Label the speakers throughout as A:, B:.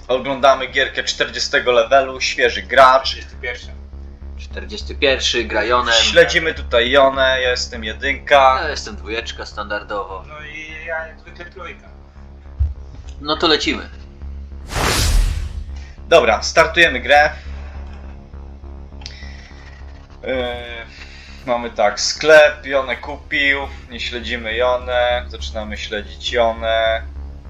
A: Oglądamy gierkę 40 levelu, świeży gracz.
B: 41.
C: 41, gra Jonem.
A: Śledzimy tutaj Jonę, ja jestem jedynka.
C: Ja jestem dwójeczka standardowo.
B: No i ja jak zwykle trójka.
C: No to lecimy.
A: Dobra, startujemy grę. Mamy tak, sklep, Jonę kupił, nie śledzimy Jonę, zaczynamy śledzić Jonę.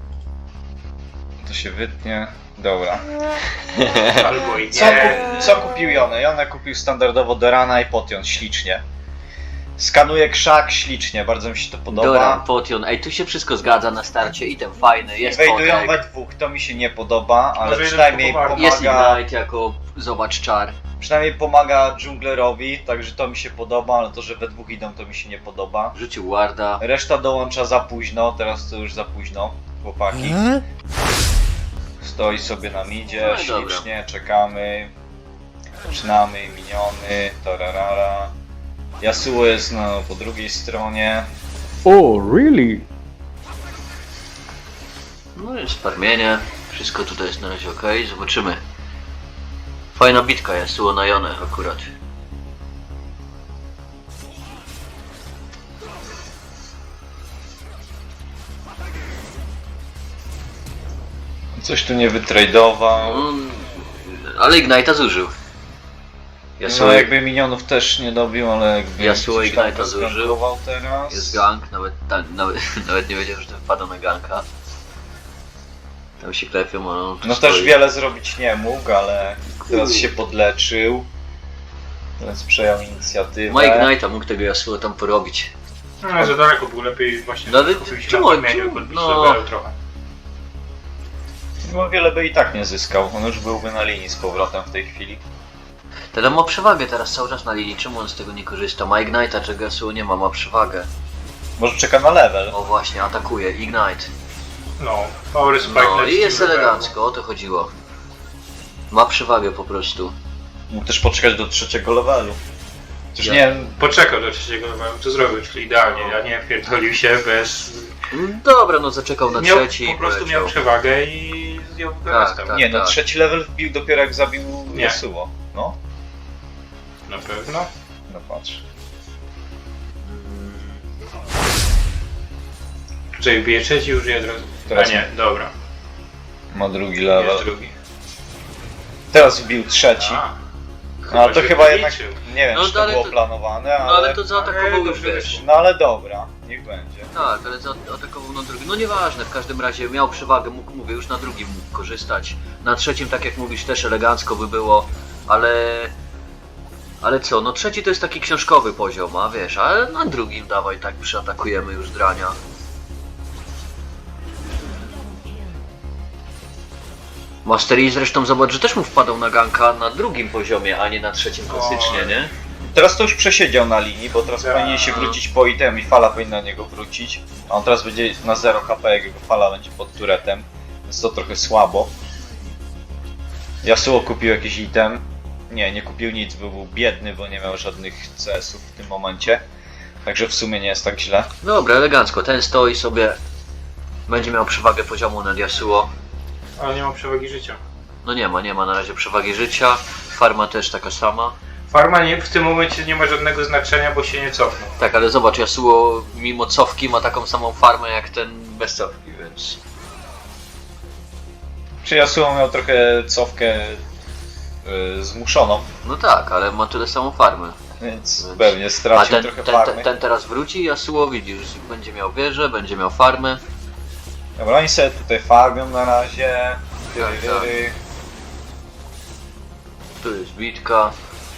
A: To się wytnie, dobra.
B: Albo i
A: Co,
B: nie.
A: co kupił Jonę? Jonę kupił standardowo Dorana i Potion, ślicznie. Skanuje krzak, ślicznie, bardzo mi się to podoba.
C: Doran, Potion, ej, tu się wszystko zgadza na starcie, item fajny, jest
A: Wejdują we
C: potek,
A: dwóch, to mi się nie podoba, ale
B: Może
A: przynajmniej
B: jeden pomaga.
C: jest
A: pomaga,
C: Ignite jako, zobacz, czar.
A: przynajmniej pomaga dżunglerowi, także to mi się podoba, ale to, że we dwóch idą, to mi się nie podoba.
C: Rzucił warda.
A: Reszta dołącza za późno, teraz to już za późno, chłopaki. Stoi sobie na midzie,
C: No i dobra.
A: ślicznie, czekamy. Zaczynamy, miniony, tararara. Yasuo jest po drugiej stronie.
D: Oh, really?
C: No jest farmienie, wszystko tutaj jest na razie ok, zobaczymy. Fajna bitka jest, było na Jonę akurat.
A: Coś tu nie wytradował.
C: Ale Ignite'a zużył. Yasuo
A: No jakby minionów też nie dobił, ale jakby...
C: Yasuo
A: coś tam
C: Ignite'a zużył.
A: zgankował teraz.
C: jest gank, nawet nie wiedziałem, że to wpada na ganka. Tam się klepią, a on tu
A: No
C: stoi.
A: też wiele zrobić nie mógł, ale teraz się podleczył. Teraz przejął inicjatywę.
C: Ma Ignite'a, mógł tego Yasuo tam porobić.
B: No za daleko był, lepiej właśnie
C: No ale
B: skupił się
C: czemu-
B: na farmieniu,
C: czemu-
B: podbić
C: no.
B: levelu trochę.
A: No wiele by i tak nie zyskał, on już byłby na linii z powrotem w tej chwili.
C: Teda ma przewagę teraz cały czas na linii, czemu on z tego nie korzysta? Ma Ignite'a, czego Yasuo nie ma, ma przewagę.
A: Może czeka na level.
C: O właśnie, atakuje, Ignite.
B: No, power spike
C: No
B: leci
C: i jest
B: w levelu.
C: elegancko, o to chodziło. Ma przewagę po prostu.
A: Mógł też poczekać do trzeciego levelu. Chociaż
C: Ja-
A: nie,
B: Poczekał do trzeciego levelu, to zrobił, czyli idealnie, ja nie pierdolił się bez...
C: Dobra, no zaczekał na
B: Miał,
C: trzeci
B: po
C: i
B: prostu
C: poleciał.
B: miał przewagę i zdjął resztę.
C: tak.
A: nie no trzeci level wbił dopiero jak zabił
B: Nie.
A: Yasuo. No,
B: Na pewno.
A: no patrz.
B: Czyli bije trzeci, już je od razu.
A: Teraz
B: A nie, dobra.
A: Ma drugi
B: Jest
A: level.
B: drugi.
A: Teraz wbił trzeci.
B: A,
A: No ale to
B: się
A: chyba jednak,
B: policzył.
A: nie wiem
C: No,
A: czy to
C: ale
A: było
C: to-
A: planowane,
C: No ale
A: ale...
C: to zaatakował
B: Ale
C: już
B: dobrze
C: wiesz.
B: wyszło.
A: No ale dobra, niech będzie.
C: Tak, ale zaatakował na drugim. No nieważne, w każdym razie miał przewagę, mógł, mówię, już na drugim mógł korzystać. Na trzecim, tak jak mówisz, też elegancko by było, ale... Ale co, no trzeci to jest taki książkowy poziom, a wiesz, ale na drugim dawaj tak przyatakujemy już drania. Master Yi zresztą zobacz, że też mu wpadał na ganka na drugim poziomie, a nie na trzecim klasycznie, nie?
A: Teraz to już przesiedział na linii, bo teraz
B: Tak.
A: powinien się wrócić po item i fala powinna na niego wrócić. A on teraz będzie na 0 HP, jak jego fala będzie pod turetem. Więc to trochę słabo. Yasuo kupił jakiś item. Nie kupił nic, bo był biedny, bo nie miał żadnych CS-ów w tym momencie. Także w sumie nie jest tak źle.
C: Dobra, elegancko, ten stoi sobie, będzie miał przewagę poziomu nad Yasuo.
B: Ale nie ma przewagi życia.
C: No nie ma na razie przewagi życia, farma też taka sama.
B: Farma nie, w tym momencie nie ma żadnego znaczenia, bo się nie cofnął.
C: Tak, ale zobacz, Yasuo mimo cofki ma taką samą farmę jak ten bez cofki, więc...
A: Czy Yasuo miał trochę cofkę zmuszoną,
C: No tak, ale ma tyle samą farmę.
A: więc
C: Więc-
A: pewnie
C: A
A: stracił trochę farmy.
C: ten teraz wróci, Yasuo widzisz, będzie miał wieżę, będzie miał farmę.
A: Dobra, oni sobie tutaj farmią na razie.
C: Tak. Tu jest bitka.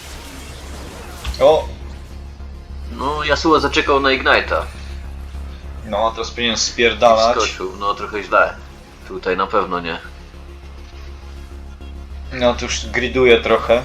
A: O!
C: No, Yasuo zaczekał na Ignite'a.
A: No, a teraz powinien
C: I
A: spierdalać.
C: wskoczył, no trochę źle. Tutaj na pewno nie.
A: No to już griduje trochę.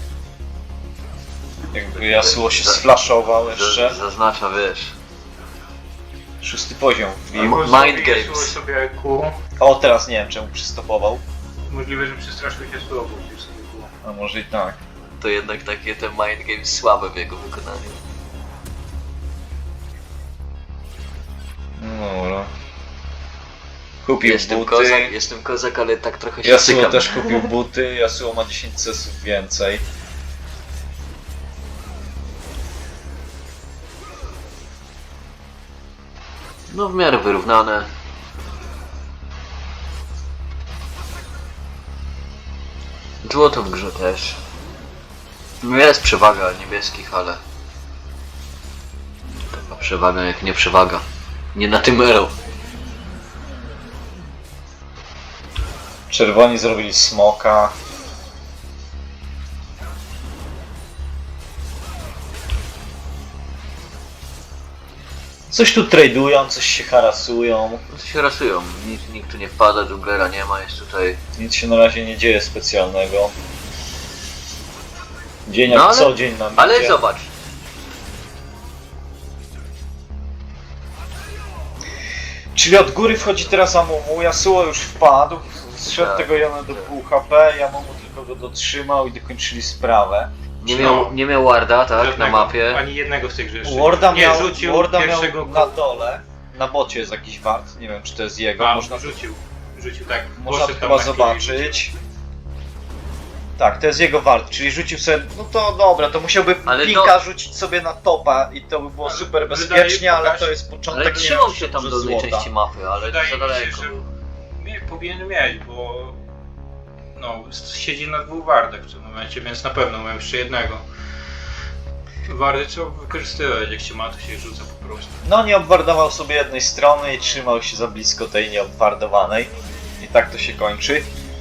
A: Jakby Yasuo się sflashował jeszcze.
C: Zaznacza, wiesz.
A: 6 poziom wbił.
C: Mind
B: Zrobił
C: games.
B: Yasuo sobie Q.
A: O, teraz nie wiem czemu przystopował.
B: Możliwe, że przestraszył się słowo, gdzieś sobie Q.
A: A może i tak.
C: To jednak takie te mind games słabe w jego wykonaniu.
A: No dobra. Kupił buty.
C: Jestem kozak, ale tak trochę się
A: Yasuo
C: cykam.
A: też kupił buty. Yasuo ma 10 cesów więcej.
C: No w miarę wyrównane. Złoto w grze też. Jest przewaga niebieskich, ale... Taka przewaga jak nie przewaga. Nie na tym ero.
A: Czerwoni zrobili smoka. Coś tu tradują, coś się harasują.
C: No to się rasują. Nikt tu nie wpada, dżunglera nie ma, jest tutaj...
A: Nic się na razie nie dzieje specjalnego. Dzień jak
C: No ale-
A: co dzień nam
C: Ale
A: idzie.
C: zobacz.
A: Czyli od góry wchodzi teraz Amumu, Yasuo już wpadł, zszedł
C: Tak.
A: tego Jona do pół HP, Amumu tylko go dotrzymał i dokończyli sprawę.
C: Nie miał warda, tak, na
B: Żadnego,
C: mapie.
B: Ani jednego z tych rzeczy.
A: Warda
B: nie,
A: miał,
B: rzucił
A: Warda
B: pierwszego
A: miał na dole, na bocie jest jakiś wart, nie wiem czy to jest jego, można
B: rzucił tak.
A: to
B: poszedł tam
A: chyba
B: na chwilę i rzucił.
A: zobaczyć. Tak, to jest jego wart, czyli rzucił sobie, no to dobra, to musiałby
C: Ale
A: pinka rzucić sobie na topa i to by było
B: Ale
A: super
B: wydaje-
A: bezpiecznie, ale
B: pokaż-
A: to jest
C: Ale
A: początek, nie
C: trzymał
A: wiem,
C: się tam
A: czy
C: dolnej
A: złota.
C: części mapy, ale
B: Wydaje
C: za
B: mi się,
C: daleko.
B: że powinien mieć, bo no, siedzi na dwóch wardach w tym momencie, więc na pewno ma jeszcze jednego. Wardy trzeba wykorzystywać, jak się ma, to się rzuca po prostu.
A: No nie obwardował sobie jednej strony i trzymał się za blisko tej nieobwardowanej. I tak to się kończy.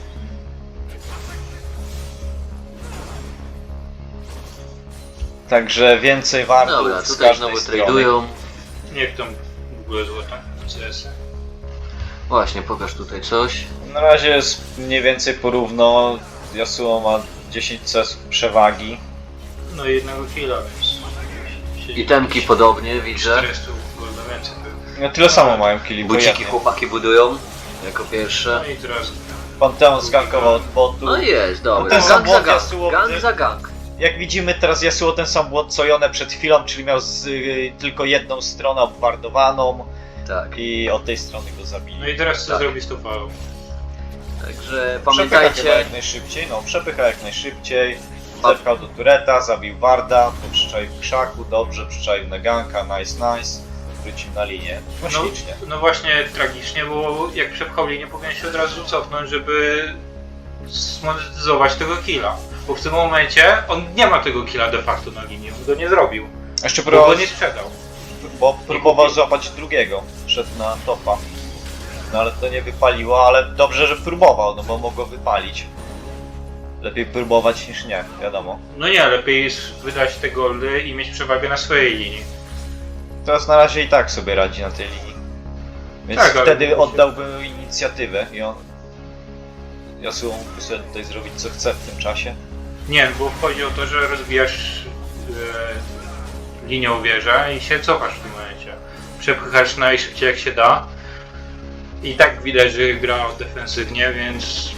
A: Także więcej wartów
C: Dobra,
A: z
C: tutaj
A: każdej
C: znowu
A: strony.
C: tradują.
B: Niech tam w ogóle złota, CS.
C: Właśnie, pokaż tutaj coś.
A: Na razie jest mniej więcej porówno. Yasuo ma 10 CS przewagi.
B: No i jednego killa, więc...
C: I temki podobnie, widzę.
B: 400 golda więcej pewnie.
A: No tyle samo mają killi, bo
C: Buciki
A: jednie.
C: chłopaki budują. Jako pierwsze.
B: No i teraz...
A: Panteon zgankował od botu.
C: No jest,
A: No
C: dobra.
A: ten sam
C: Gang za
A: błąd Yasuo,
C: gang. Gang za gang.
A: Jak widzimy teraz Yasuo ten sam błąd co Yone przed chwilą, czyli miał tylko jedną stronę obwardowaną
C: Tak.
A: i od tej strony go zabili.
B: No i teraz co
C: Tak.
B: zrobi z tą falą?
C: Także
A: Przepycha chyba
C: pamiętajcie.
A: jak najszybciej, no przepycha jak najszybciej. Zepchał do tureta, zabił Warda, to przyczaił w krzaku, dobrze, przyczaił na ganka, nice. Wrócił na linię. No ślicznie.
B: No właśnie tragicznie, bo jak przepchał linię, powinien się od razu cofnąć, żeby zmonetyzować tego killa. Bo w tym momencie on nie ma tego killa de facto na linii, on go nie zrobił.
A: Jeszcze
B: Bo
A: próbował,
B: go nie sprzedał.
A: bo próbował złapać drugiego, szedł na topa. No ale to nie wypaliło, ale dobrze, że próbował, no bo mogło wypalić. Lepiej próbować niż nie, wiadomo.
B: No nie, lepiej jest wydać te goldy i mieć przewagę na swojej linii.
A: Teraz na razie i tak sobie radzi na tej linii. Więc
B: Tak, ale
A: wtedy
B: musi-
A: oddałby inicjatywę i on... Yasuo mógłby sobie tutaj zrobić co chce w tym czasie.
B: Nie, bo chodzi o to, że rozbijasz linią wieżę i się cofasz w tym momencie. Przepychasz najszybciej jak się da. I tak widać, że gra defensywnie, więc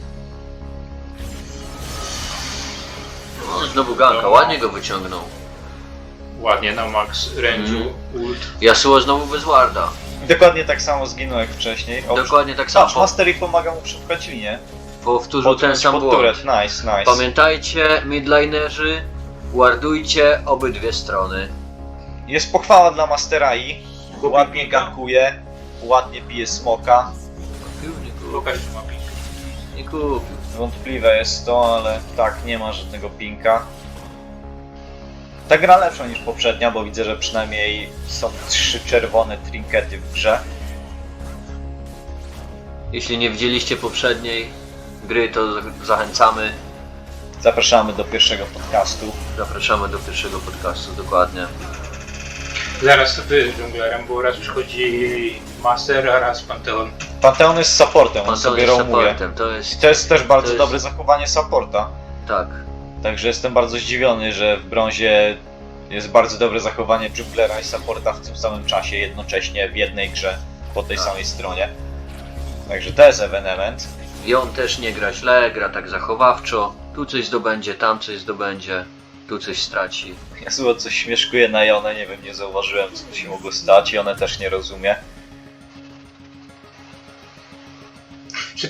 C: No, znowu ganka, ładnie go wyciągnął.
B: ładnie na max range'u ult.
C: Yasuo znowu bez warda.
A: I dokładnie tak samo zginął jak wcześniej. O,
C: Dokładnie tak
A: patrz,
C: samo.
A: Mastery pomaga mu przepchać linię.
C: Powtórzył ten sam
A: pod
C: błąd.
A: turret, nice.
C: Pamiętajcie, midlinerzy, wardujcie obydwie strony.
A: Jest pochwała dla Masterai.
B: Kupi
A: Ładnie
B: pinka.
A: gankuje, ładnie bije smoka.
B: Pokaż, że ma ping.
C: Nie kupił.
A: Wątpliwe jest to, ale tak, nie ma żadnego pinka. Ta gra lepsza niż poprzednia, bo widzę, że przynajmniej są 3 czerwone trinkety w grze.
C: Jeśli nie widzieliście poprzedniej gry, to zachęcamy.
A: Zapraszamy do pierwszego podcastu.
C: Zapraszamy do pierwszego podcastu, dokładnie.
B: Zaraz sobie dżunglerem, bo raz już chodzi Master, a raz Panteon.
A: Panteon jest supportem, on
C: Panteon
A: sobie
C: jest
A: roamuje.
C: supportem, to
A: I
C: jest...
A: to jest też bardzo
C: to jest-
A: dobre zachowanie supporta.
C: Tak.
A: Także jestem bardzo zdziwiony, że w brązie jest bardzo dobre zachowanie junglera i supporta w tym samym czasie, jednocześnie w jednej grze, po tej
C: Tak.
A: samej stronie. Także to jest ewenement.
C: I on też nie gra źle, gra tak zachowawczo. Tu coś zdobędzie, tam coś zdobędzie, tu coś straci.
A: Yasuo coś śmieszkuje na Jonę, nie wiem, nie zauważyłem co tu się mogło stać i one też nie rozumie.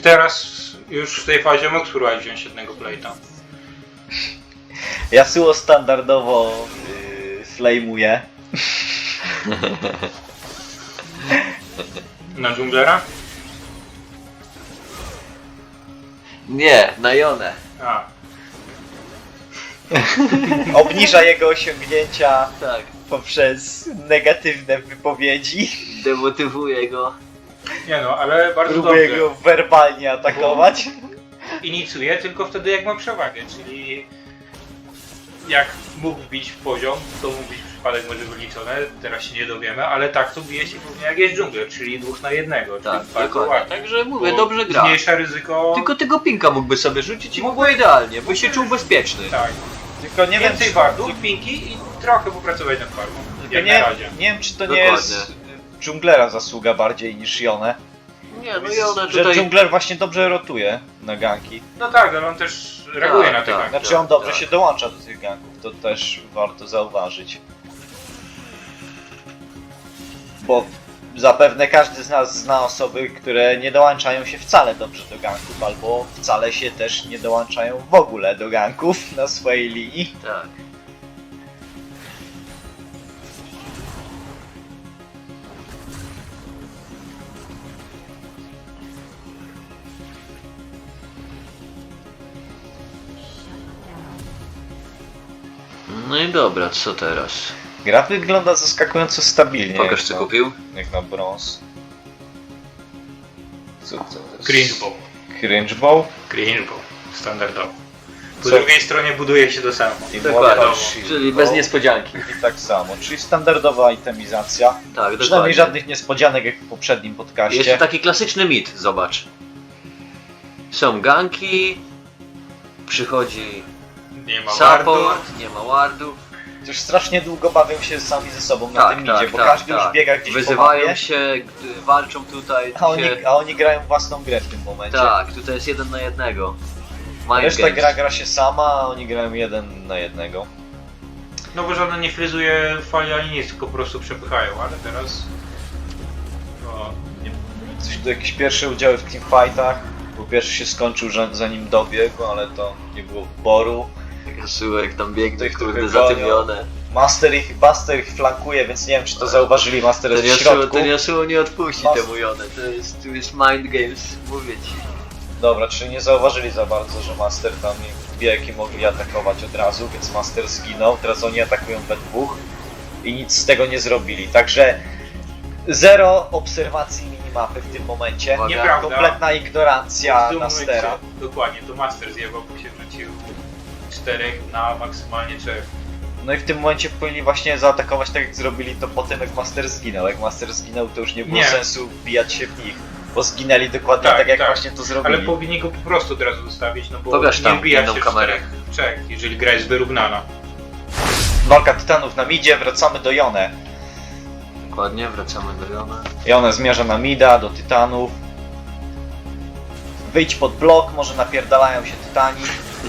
B: teraz już w tej fazie mógł spróbować wziąć jednego plate'a?
A: Yasuo standardowo flame'uje.
B: Na dżunglera?
C: Nie, na Jonę.
B: A,
A: Obniża jego osiągnięcia
C: Tak,
A: poprzez negatywne wypowiedzi.
C: demotywuje go.
B: nie no, ale bardzo
A: Próbuje
B: dobrze.
A: go werbalnie atakować.
B: Inicjuje tylko wtedy jak ma przewagę, czyli jak mógł wbić w poziom, to mógł być przypadek może wyliczone, teraz się nie dowiemy, ale tak to bije się głównie jak jest dżungler, czyli 2 na 1,
C: Tak,
B: czyli bardzo
C: dokładnie.
B: ładnie.
C: Także mówię,
B: Bo
C: dobrze gra.
B: Zmniejsza ryzyko.
C: Tylko tego pinka mógłby sobie rzucić i mógłby idealnie, by się czuł bezpieczny.
B: Tak.
A: Tylko nie wiem,
B: Więcej
A: czy,
B: wardów, pinki i trochę popracować nad farmą.
A: tylko
B: Jak
A: nie,
B: na razie.
A: nie wiem, czy to
C: Dokładnie.
A: nie jest dżunglera zasługa bardziej niż Jonę.
C: Nie, no Jonę
A: Że
C: tutaj...
A: dżungler właśnie dobrze rotuje na ganki.
B: No tak, ale on też reaguje
C: Tak,
B: na te
C: tak.
B: ganki.
A: Znaczy on dobrze
C: tak.
A: się dołącza do tych ganków, to też warto zauważyć. Bo zapewne każdy z nas zna osoby, które nie dołączają się wcale dobrze do ganków, albo wcale się też nie dołączają w ogóle do ganków na swojej linii.
C: Tak. No i dobra, co teraz?
A: Gra wygląda zaskakująco stabilnie.
C: Pokaż
A: jak
C: co
A: na-
C: kupił.
A: Jak na brąz. Co to jest?
B: Cringe ball.
A: Cringe ball?
B: Cringe ball. Standardowo. Po
A: Co?
B: drugiej stronie buduje się do samo.
A: I
C: Dokładnie,
A: Mortal Shield
C: czyli
A: Ball.
C: bez niespodzianki.
A: I tak samo, czyli standardowa itemizacja.
C: Tak,
A: Przynajmniej
C: dokładnie.
A: żadnych niespodzianek jak w poprzednim podcaście.
C: Jeszcze taki klasyczny mit, zobacz. Są ganki, przychodzi
B: Nie ma wardu.
C: support, nie ma wardów.
A: Już strasznie długo bawią się sami ze sobą na
C: Tak,
A: tym
C: tak,
A: idzie, bo
C: tak,
A: każdy
C: tak.
A: już biega gdzieś po
C: Wyzywają
A: mapie,
C: się, walczą tutaj.
A: a oni grają własną grę w tym momencie.
C: Tak, tutaj jest 1 na 1. Mind
A: Reszta
C: games.
A: gra się sama, a oni grają 1 na 1.
B: No bo żaden nie fryzuje fali ani nic, tylko po prostu przepychają, ale teraz... No,
A: Coś tu jakieś pierwsze udziały w teamfightach, bo pierwszy się skończył zanim dobiegł, ale to nie było wyboru.
C: Rysułek tam biegnie,
A: Tych,
C: kurde,
A: których
C: zatymione.
A: Buster ich flankuje, więc nie wiem czy to zauważyli, Master jest w środku.
C: Ten Yasuo nie odpuści
A: Mas-
C: temu Jonę, tu jest mind games, mówię ci.
A: Dobra, czyli nie zauważyli za bardzo, że Master tam wielki mogli atakować od razu, więc Master zginął, teraz oni atakują we dwóch i nic z tego nie zrobili, także zero obserwacji minimapy w tym momencie,
C: Uwaga.
B: nieprawda.
A: kompletna ignorancja
B: W tym
A: Mastera.
B: momencie- Dokładnie, to Master zjebał, bo się rzucił 4 na maksymalnie 3.
A: No i w tym momencie powinni właśnie zaatakować tak jak zrobili to potem jak Master zginął. Jak Master zginął to już nie było
B: Nie.
A: sensu wbijać się w nich, bo zginęli dokładnie
B: Tak,
A: tak, jak
B: tak.
A: właśnie to zrobili.
B: Ale powinni go po prostu od razu zostawić, no bo
C: Pokaż
B: nie
C: tam
B: wbija
C: inną
B: się
C: kamerę.
B: w 4, jeżeli gra jest wyrównana.
A: Walka tytanów na midzie, wracamy do Jonę.
C: Dokładnie, wracamy do Jona.
A: Jonę zmierza na mida, do tytanów. Wyjdź pod blok, może napierdalają się tytani.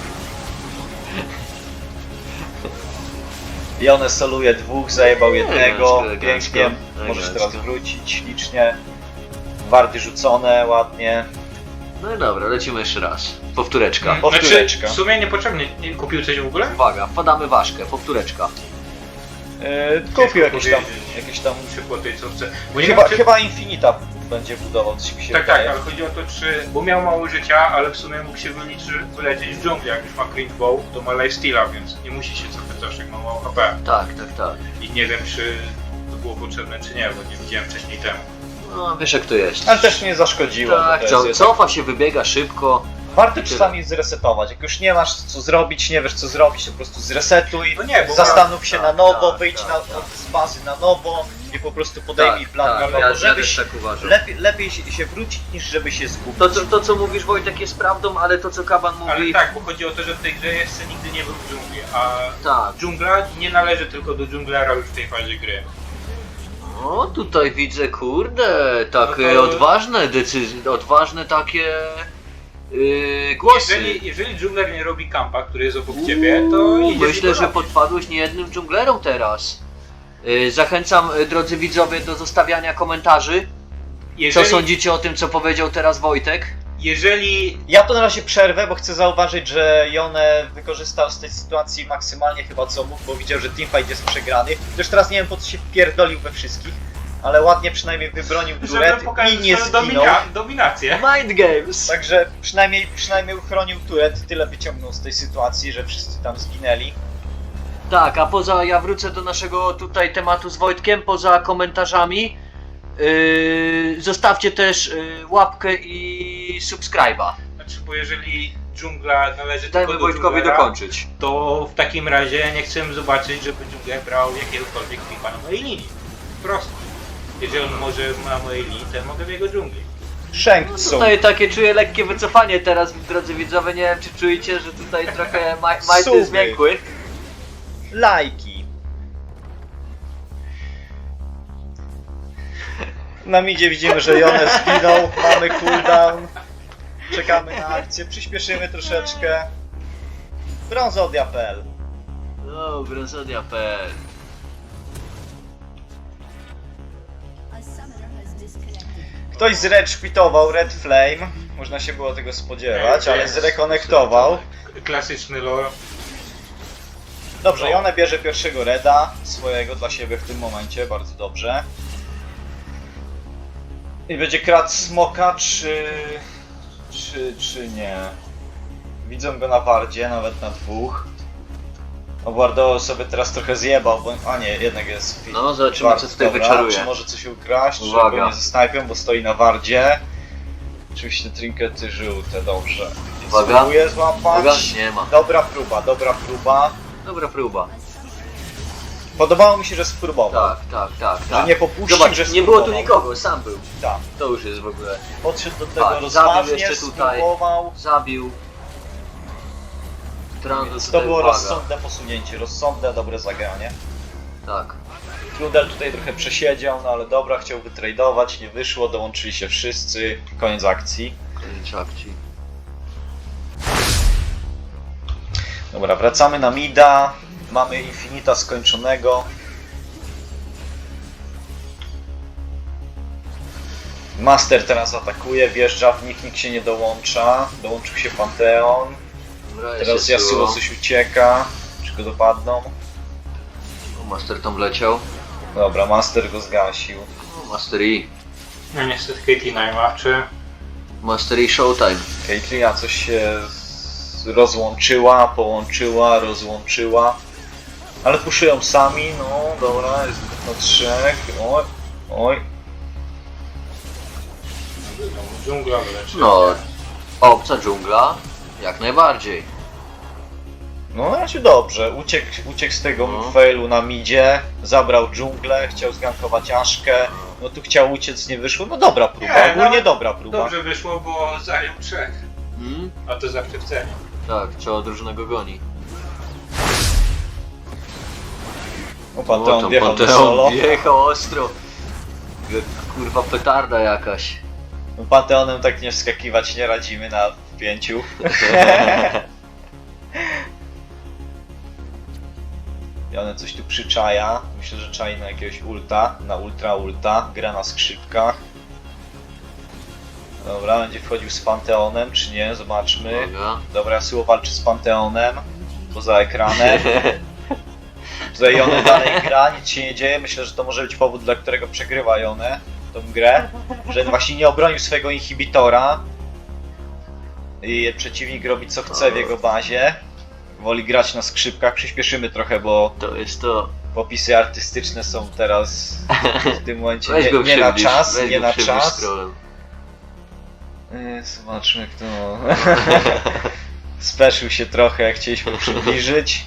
A: Jonę soluje dwóch, zajebał jednego,
C: elegancko,
A: pięknie.
C: elegancko.
A: Możesz teraz wrócić ślicznie. Wardy rzucone, ładnie.
C: No i dobra, lecimy jeszcze raz. Powtóreczka.
B: Znaczy,
A: Powtóreczka.
B: w sumie niepotrzebnie. Nie kupił coś w ogóle?
C: Uwaga, wpadamy ważkę, powtóreczka.
A: Kupił jakieś
B: powiedzieć.
A: tam
B: Muszę po tej cofce. Bo nie wiem, czy...
A: Chyba Infinita będzie budował, coś mi się
B: Tak, tak,
A: wydaje.
B: ale chodzi o to, czy... Bo miał mało życia, ale w sumie mógł się wylecieć w dżungli, jak już ma Cringe Bow, to ma lifesteala, więc nie musi się cofać zawsze, jak ma mało HP.
C: Tak, tak, tak.
B: I nie wiem, czy to było potrzebne, czy nie, bo nie widziałem wcześniej temu.
C: No wiesz jak to jest.
A: Ale też nie zaszkodziło.
C: Tak,
A: bo to jest
C: cofa się, wybiega szybko.
A: Warto
C: Tyle.
A: czasami zresetować. Jak już nie masz co zrobić, nie wiesz co zrobić, to po prostu zresetuj.
B: No nie, bo
A: Zastanów się
C: tak,
A: na nowo,
C: tak,
A: wyjdź
C: tak, tak.
A: z bazy na nowo i po prostu podejmij plan na nowo,
C: ja
A: żebyś
C: też tak uważam.
A: lepiej się wrócić niż żeby się zgubić.
C: To co mówisz Wojtek jest prawdą, ale to co Kaban mówi...
B: Ale tak, bo chodzi o to, że w tej grze jeszcze nigdy nie był w dżungli, a
C: Tak.
B: dżungla nie należy tylko do dżunglera już w tej fazie gry.
C: O, tutaj widzę, kurde, takie
B: No to-
C: odważne decyzje, odważne takie głosy.
B: Jeżeli dżungler nie robi kampa, który jest obok ciebie, to idziesz i
C: Myślę,
B: go
C: że
B: robisz.
C: podpadłeś niejednym dżunglerom teraz. Zachęcam, drodzy widzowie, do zostawiania komentarzy. Co
B: Jeżeli-
C: sądzicie o tym, co powiedział teraz Wojtek?
B: jeżeli...
A: Ja to na razie przerwę, bo chcę zauważyć, że Jone wykorzystał z tej sytuacji maksymalnie chyba co mógł, bo widział, że teamfight jest przegrany. Też teraz nie wiem, po co się wpierdolił we wszystkich, ale ładnie przynajmniej wybronił turet
B: Żeby pokazać
A: i nie
B: swoją
A: zginął.
B: dominację.
C: Mind games!
A: Także przynajmniej uchronił turet, tyle wyciągnął z tej sytuacji, że wszyscy tam zginęli.
C: Tak, a poza, ja wrócę do naszego tutaj tematu z Wojtkiem, poza komentarzami. Zostawcie też łapkę i subskryba.
B: Znaczy, bo jeżeli dżungla należy
C: Dajmy
B: tylko do
C: Wojtkowi
B: dżunglera,
C: dokończyć.
B: to w takim razie nie chcę zobaczyć, żeby dżungler brał jakiegokolwiek pipa na mojej linii. Prosto. Jeżeli on może na mojej linii, to ja mogę w jego dżungli.
A: Shang Tsung.
C: Tutaj takie czuję lekkie wycofanie teraz, drodzy widzowie, nie wiem czy czujecie, że tutaj trochę majty
A: Sumy.
C: zmiękły.
A: Lajki. Na midzie widzimy, że Jone zginął, mamy cooldown. Czekamy na akcję, przyspieszymy troszeczkę. Brązodia.pl.
C: No, brązodia.pl.
A: Ktoś zreczkwitował Red Flame, można się było tego spodziewać, ale zrekonektował.
B: Klasyczny lore.
A: Dobrze, Jone bierze pierwszego Reda swojego dla siebie w tym momencie, bardzo dobrze. I będzie kradł smoka, czy nie? Widzą go na wardzie, nawet na dwóch. Obardo sobie teraz trochę zjebał, bo... A nie, jednak jest fit.
C: No, zobaczymy,
A: Bardzo
C: co tutaj
A: dobra.
C: wyczaruje.
A: Czy może coś ukraść, czy
C: Uwaga.
A: go nie zasnajpią, bo stoi na wardzie. Oczywiście trinkety żółte, dobrze.
C: Uwaga.
A: Spróbuję złapać.
C: Uwaga, nie ma.
A: Dobra próba, dobra próba.
C: Dobra próba.
A: Podobało mi się, że spróbował.
C: Tak.
A: Że nie popuścił,
C: Zobacz,
A: że
C: nie było tu
A: spróbował.
C: nikogo, sam był.
A: Tak.
C: To już jest w ogóle.
A: Podszedł do tego
C: Tak,
A: rozważnie,
C: zabił jeszcze tutaj.
A: spróbował.
C: Zabił. Transu
A: Więc to
C: tutaj
A: było
C: uwaga.
A: rozsądne posunięcie, rozsądne, dobre zagranie.
C: Tak.
A: Trudel tutaj trochę przesiedział, no ale dobra, chciał wytradować, nie wyszło, dołączyli się wszyscy, koniec akcji.
C: Koniec akcji.
A: Dobra, wracamy na mida, mamy Infinita skończonego. Master teraz atakuje, wjeżdża w nikt się nie dołącza, dołączył się Panteon.
C: Dobra,
A: Teraz
C: jest
A: Yasuo coś ucieka, czy go dopadną?
C: O, Master tam wleciał.
A: Dobra, Master go zgasił.
C: O, Master E.
B: No niestety Caitlyn nie ma, czy...
C: Master E Showtime.
A: Caitlyn coś się rozłączyła, połączyła, rozłączyła. Ale puszują sami, no dobra, jest na trzech. Oj, oj.
B: Dżungla wyleczy.
C: No, obca dżungla. Jak najbardziej.
A: No na razie dobrze, uciekł z tego
C: No.
A: failu na midzie, zabrał dżunglę, chciał zgankować Aszkę, no tu chciał uciec, nie wyszło, no dobra próba,
B: Nie,
A: ogólnie
B: no,
A: dobra próba.
B: Dobrze wyszło, bo zajął 3.
C: Hmm?
B: A to zawsze w cenie.
C: Tak, cała drużyna go goni.
A: O, Panteon
C: tam
A: wjechał do
C: Panteon
A: solo.
C: wjechał ostro. Jak kurwa petarda jakaś.
A: No, Panteonem tak nie wskakiwać nie radzimy na 5. I one coś tu przyczaja. Myślę, że czai na jakiegoś ulta, na ulta, gra na skrzypkach. Dobra, będzie wchodził z Panteonem, czy nie? Zobaczmy.
C: Uwaga.
A: Dobra, Yasuo walczy z Panteonem, poza ekranem. Tutaj Jone dalej gra, nic się nie dzieje. Myślę, że to może być powód, dla którego przegrywa Jone tą grę. Że właśnie nie obronił swojego inhibitora. I przeciwnik robi co chce w jego bazie. Woli grać na skrzypkach. Przyspieszymy trochę, bo
C: To jest to.
A: popisy artystyczne są teraz w tym momencie
C: Weź go
A: nie na
C: przybliż,
A: czas.
C: weź
A: Nie
C: go
A: na
C: przybliż
A: czas.
C: scrollem.
A: Zobaczmy kto. Speszył się trochę, jak chcieliśmy przybliżyć.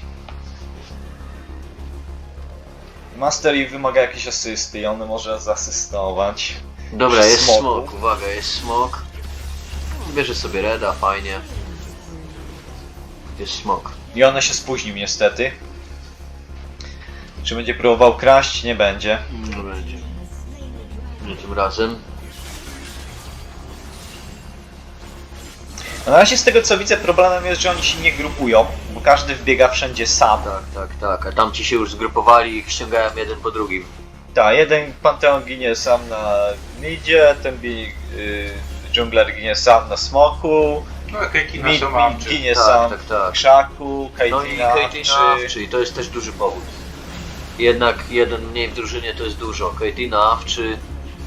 A: Master Yi wymaga jakiejś asysty i on może zasystować.
C: Dobra,
A: Przy
C: jest
A: smoku.
C: smok, uwaga, jest smok. Bierze sobie reda, fajnie. Jest smok.
A: I on się spóźnił niestety. Czy będzie próbował kraść? Nie będzie.
C: Nie będzie. Nie tym razem.
A: No na razie z tego co widzę problemem jest, że oni się nie grupują, bo każdy wbiega wszędzie sam.
C: Tak. A tamci się już zgrupowali i ich ściągają jeden po drugim.
A: Tak, jeden Panteon ginie sam na midzie, ten Dżungler ginie sam na smoku,
B: No Kejtina
A: Mid
B: są awczy.
A: ginie
C: Tak,
A: sam
C: tak,
A: w
C: tak.
A: krzaku,
C: No i
A: Caitlyn'a
C: Caitlyn czyli to jest też duży powód. Jednak jeden mniej w drużynie to jest dużo. Caitlyn czy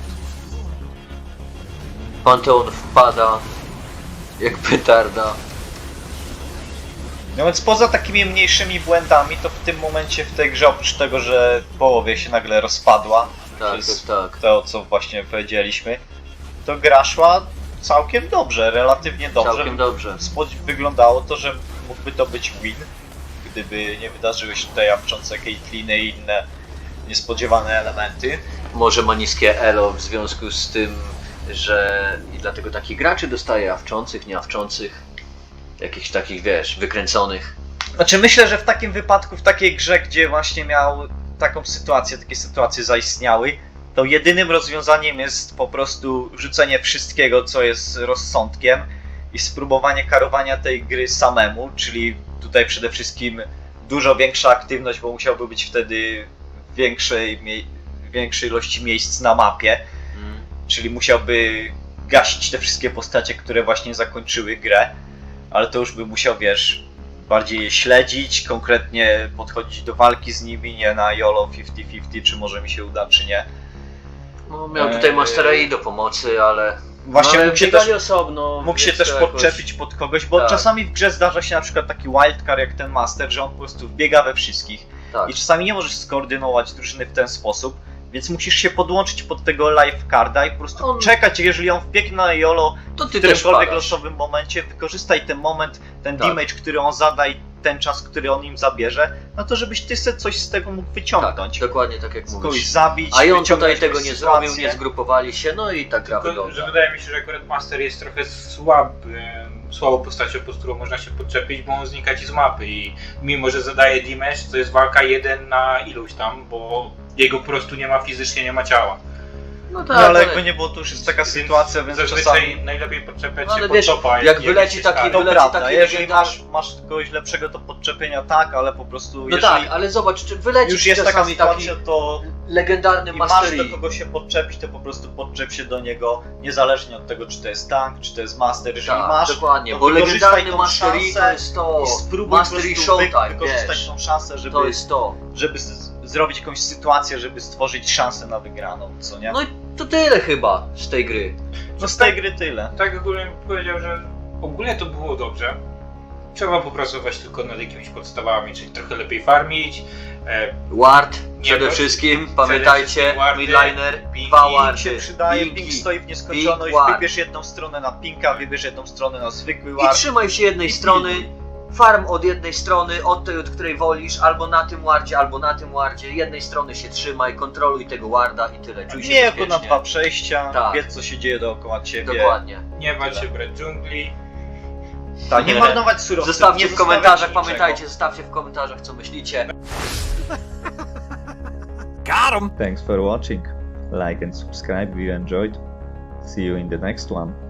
C: Panteon wpada jak petarda.
A: No więc poza takimi mniejszymi błędami, to w tym momencie w tej grze, oprócz tego, że w połowie się nagle rozpadła,
C: Tak,
A: przez
C: tak, tak.
A: to co właśnie powiedzieliśmy, to gra szła całkiem dobrze, relatywnie dobrze.
C: Całkiem dobrze.
A: Wyglądało to, że mógłby to być win, gdyby nie wydarzyły się tutaj jawczące Caitliny i inne niespodziewane elementy.
C: Może ma niskie elo w związku z tym, że i dlatego takich graczy dostaje awczących, nieawczących, jakichś takich, wiesz, wykręconych.
A: Znaczy myślę, że w takim wypadku, w takiej grze, gdzie właśnie miał taką sytuację, takie sytuacje zaistniały, to jedynym rozwiązaniem jest po prostu rzucenie wszystkiego, co jest rozsądkiem i spróbowanie karowania tej gry samemu, czyli tutaj przede wszystkim dużo większa aktywność, bo musiałby być wtedy w większej ilości miejsc na mapie, czyli musiałby gasić te wszystkie postacie, które właśnie zakończyły grę, ale to już by musiał, wiesz, bardziej je śledzić, konkretnie podchodzić do walki z nimi, nie na YOLO 50-50, czy może mi się uda, czy nie.
C: No, miał tutaj Mastera i do pomocy, ale...
A: Właśnie
C: no, ale
A: mógł się
C: biegali
A: też,
C: osobno,
A: mógł się
C: więc
A: też
C: to jakoś-
A: podczepić pod kogoś, bo
C: Tak.
A: czasami w grze zdarza się na przykład taki wildcard jak ten Master, że on po prostu wbiega we wszystkich
C: Tak.
A: i czasami nie możesz skoordynować drużyny w ten sposób, więc musisz się podłączyć pod tego livecarda i po prostu
C: On-
A: czekać, jeżeli on wbiegnie na YOLO
C: To
A: w
C: ty też
A: którymkolwiek
C: padasz.
A: losowym momencie, wykorzystaj ten moment, ten
C: Tak.
A: damage, który on zada i ten czas, który on im zabierze, no to żebyś ty sobie coś z tego mógł
C: Tak,
A: wyciągnąć.
C: dokładnie tak jak
A: Kogoś
C: mówisz.
A: zabić,
C: A i on
A: wyciągnąć
C: tutaj tego
A: jakąś
C: nie
A: sytuację.
C: zrobił, nie zgrupowali się, no i tak gra
B: Tylko, że
C: wygląda.
B: wydaje mi się, że akurat Master jest trochę słabą postacią, pod którą można się podczepić, bo on znika ci z mapy i mimo, że zadaje damage, to jest walka 1 na iluś tam, bo jego po prostu nie ma fizycznie, nie ma ciała.
C: No
A: No
C: tak,
A: ale jakby nie było, to już jest taka sytuacja, więc
B: zazwyczaj
A: czasami...
B: najlepiej podczepiać
C: No, ale
B: się
C: wiesz,
B: pod topa.
C: jak wyleci taki-
A: To
C: wyleci
A: prawda,
C: taki
A: jeżeli
C: legendarny-
A: masz kogoś lepszego do podczepienia, tak, ale po prostu
C: No
A: jeżeli
C: tak, ale zobacz, czy wyleci
A: już jest taka
C: czasami taki
A: sytuacja, to
C: legendarny
A: i masz
C: Master
A: do
C: Yi.
A: kogo się podczepić, to po prostu podczep się do niego, niezależnie od tego, czy to jest tank, czy to jest master. Jeżeli
C: Tak,
A: masz,
C: dokładnie,
A: to
C: bo
A: wykorzystaj
C: legendarny
A: tą
C: Master Yi to
A: szansę
C: jest to.
A: i spróbuj
C: Master
A: po
C: Yi
A: prostu
C: Showtime,
A: wykorzystać
C: wiesz.
A: tą szansę, żeby,
C: To jest to.
A: żeby zrobić jakąś sytuację, żeby stworzyć szansę na wygraną, co nie?
C: No i to tyle chyba z tej gry.
A: No z tej gry tyle.
B: Tak ogólnie bym powiedział, że ogólnie to było dobrze. Trzeba popracować tylko nad jakimiś podstawami, czyli trochę lepiej farmić.
C: Ward
B: Nie,
C: przede
B: bo-
C: wszystkim,
B: przede
C: pamiętajcie,
B: wszystkim wardy,
C: midliner,
B: pingi,
C: dwa
A: Ping
C: wardy,
A: się przydaje,
C: pingi.
A: ping stoi w nieskończoność,
C: Ping, ward.
A: wybierz jedną stronę na pinka, wybierz jedną stronę na zwykły
C: I
A: ward.
C: trzymaj się jednej
A: I
C: strony,
A: pilnuj.
C: farm od jednej strony, od tej, od której wolisz, albo na tym wardzie, albo na tym wardzie, jednej strony się trzymaj, kontroluj tego warda i tyle, czuj się
A: Nie jako na
C: bezpiecznie.
A: dwa przejścia,
C: Tak.
A: wiedz co się dzieje dookoła ciebie.
C: Dokładnie.
B: Nie bać się brać dżungli.
A: Tak, nie marnować surowców.
C: Zostawcie
A: nie
C: w
A: zostawiać
C: komentarzach,
A: niczego.
C: pamiętajcie, zostawcie w komentarzach co myślicie.
D: Thanks for watching. Like and subscribe if you enjoyed. See you in the next one.